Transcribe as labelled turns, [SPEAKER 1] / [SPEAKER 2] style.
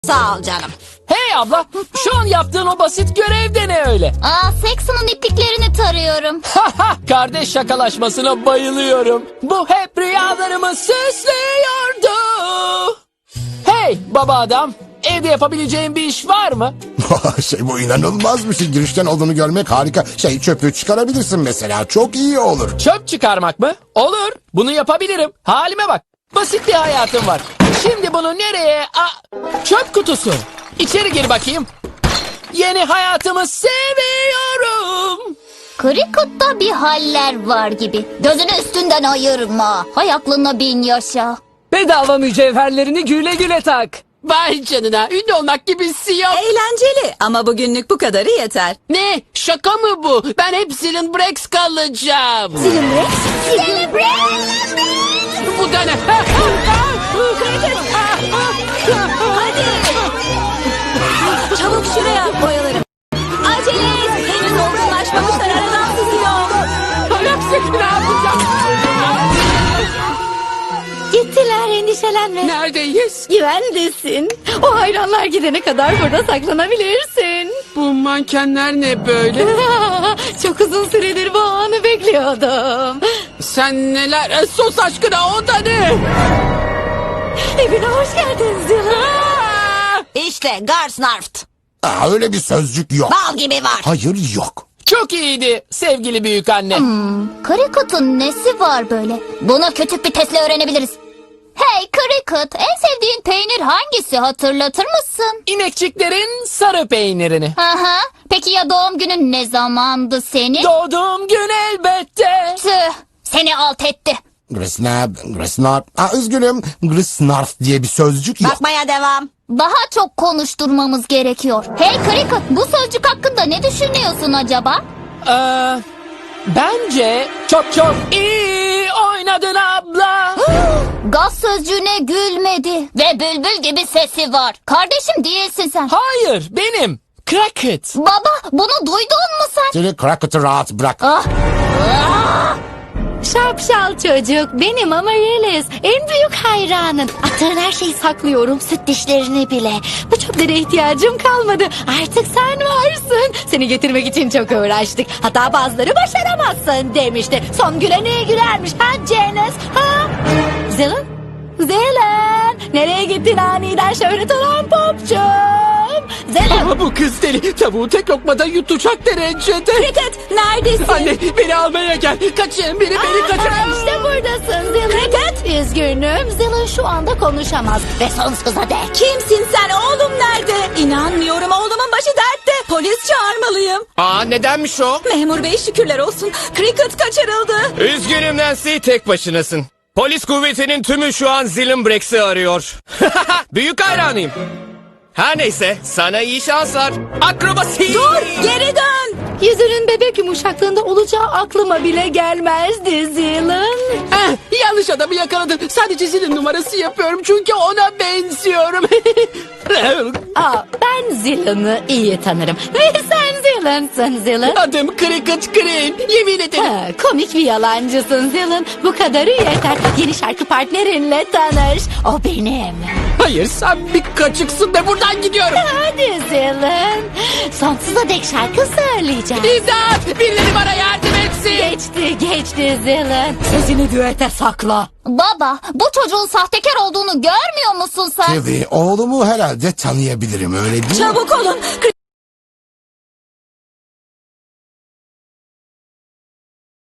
[SPEAKER 1] Sağ ol canım.
[SPEAKER 2] Hey abla, şu an yaptığın o basit görev de ne öyle?
[SPEAKER 3] Saxon'un ipliklerini tarıyorum.
[SPEAKER 2] Haha, kardeş şakalaşmasına bayılıyorum. Bu hep rüyalarımı süslüyordu. Hey baba adam, evde yapabileceğin bir iş var mı?
[SPEAKER 4] Bu inanılmaz bir şey. Girişten olduğunu görmek harika. Çöpü çıkarabilirsin mesela. Çok iyi olur.
[SPEAKER 2] Çöp çıkarmak mı? Olur, bunu yapabilirim. Halime bak, basit bir hayatım var. Şimdi bunu nereye? Çöp kutusu. İçeri gir bakayım. Yeni hayatımı seviyorum.
[SPEAKER 3] Cricket'ta bir haller var gibi. Gözünü üstünden ayırma. Hay aklına bin yaşa.
[SPEAKER 5] Bedava mücevherlerini güle güle tak.
[SPEAKER 6] Vay canına, ünlü olmak gibisi yok.
[SPEAKER 1] Eğlenceli ama bugünlük bu kadarı yeter.
[SPEAKER 6] Ne? Şaka mı bu? Ben hep Zilin Brex kalacağım. Bu da ne?
[SPEAKER 1] Çabuk şuraya boyalarım. Acele et. Henüz olgunlaşmamışlar, aradan sızıyor.
[SPEAKER 6] Hepsi ne yapacağım?
[SPEAKER 7] Gittiler, endişelenme.
[SPEAKER 6] Neredeyiz?
[SPEAKER 7] Güvendesin. O hayranlar gidene kadar burada saklanabilirsin.
[SPEAKER 6] Bu mankenler ne böyle?
[SPEAKER 7] Çok uzun süredir bu anı bekliyordum.
[SPEAKER 6] Sen neler? Sos aşkına o da ne?
[SPEAKER 7] Evine hoş geldin Zila.
[SPEAKER 1] İşte Garsnarft.
[SPEAKER 4] Öyle bir sözcük yok.
[SPEAKER 1] Bal gibi var.
[SPEAKER 4] Hayır yok.
[SPEAKER 2] Çok iyiydi sevgili büyük anne.
[SPEAKER 3] Cricket'ın nesi var böyle? Bunu küçük bir testle öğrenebiliriz. Hey Cricket, en sevdiğin peynir hangisi, hatırlatır mısın?
[SPEAKER 2] İnekçiklerin sarı peynirini.
[SPEAKER 3] Aha. Peki ya doğum günün ne zamandı senin?
[SPEAKER 2] Doğduğum gün elbette.
[SPEAKER 3] Tüh, seni alt etti.
[SPEAKER 4] Grisnarf. Üzgünüm. Grisnarf diye bir sözcük yok.
[SPEAKER 1] Bakmaya devam.
[SPEAKER 3] Daha çok konuşturmamız gerekiyor. Hey Cricket, bu sözcük hakkında ne düşünüyorsun acaba?
[SPEAKER 2] Bence çok iyi oynadın abla.
[SPEAKER 3] Gaz sözcüğüne gülmedi. Ve bülbül gibi sesi var. Kardeşim değilsin sen.
[SPEAKER 2] Hayır benim. Cricket.
[SPEAKER 3] Baba, bunu duydun mu sen?
[SPEAKER 4] Seni Crackett'ı rahat bırak.
[SPEAKER 3] Ah.
[SPEAKER 7] Şapşal çocuk benim Amaryllis. En büyük hayranın. Attığın her şeyi saklıyorum, süt dişlerini bile. Bu çöplere ihtiyacım kalmadı. Artık sen varsın. Seni getirmek için çok uğraştık. Hatta bazıları başaramazsın demişti. Son gülen iyi gülermiş. Ha Janice? Ha? Zelen? Zelen! Nereye gittin aniden şöhret olan popçum? Zelen!
[SPEAKER 6] Ama bu kız deli. Tavuğu tek lokmada yutacak derecede.
[SPEAKER 1] Cricket, neredesin?
[SPEAKER 6] Anne beni almaya gel. Kaçın beni kaçırın.
[SPEAKER 7] İşte buradasın Zelen. Cricket! Üzgünüm. Zelen şu anda konuşamaz. Ve sonsuza dek.
[SPEAKER 1] Kimsin sen? Oğlum nerede? İnanmıyorum, oğlumun başı dertte. Polis çağırmalıyım.
[SPEAKER 8] Nedenmiş o?
[SPEAKER 1] Memur bey şükürler olsun. Cricket kaçırıldı.
[SPEAKER 8] Üzgünüm Nancy, tek başınasın. Polis kuvvetinin tümü şu an Zilin Brex'i arıyor. Büyük hayranıyım. Her neyse, sana iyi şanslar. Akrobasi!
[SPEAKER 1] Dur, geri dön.
[SPEAKER 7] Yüzünün bebek yumuşaklığında olacağı aklıma bile gelmezdi Zelen.
[SPEAKER 6] Yanlış adamı yakaladın. Sadece Zilin numarası yapıyorum çünkü ona benziyorum.
[SPEAKER 7] Ben Zelen'ı iyi tanırım. Ve sen Zelen'sın Zelen.
[SPEAKER 6] Adım Cricket Green. Yemin ederim.
[SPEAKER 7] Komik bir yalancısın Zelen. Bu kadarı yeter. Yeni şarkı partnerinle tanış. O benim.
[SPEAKER 6] Hayır sen bir kaçıksın ve buradan gidiyorum.
[SPEAKER 7] Hadi Zelen. Sonsuza dek şarkı söyleyeceğim.
[SPEAKER 6] İmdat! Birileri bana yardım etsin.
[SPEAKER 7] Geçti Zelen. Sözünü düete sakla.
[SPEAKER 3] Baba, bu çocuğun sahtekar olduğunu görmüyor musun sen?
[SPEAKER 4] Tabii oğlumu herhalde tanıyabilirim, öyle değil mi?
[SPEAKER 1] Çabuk olun.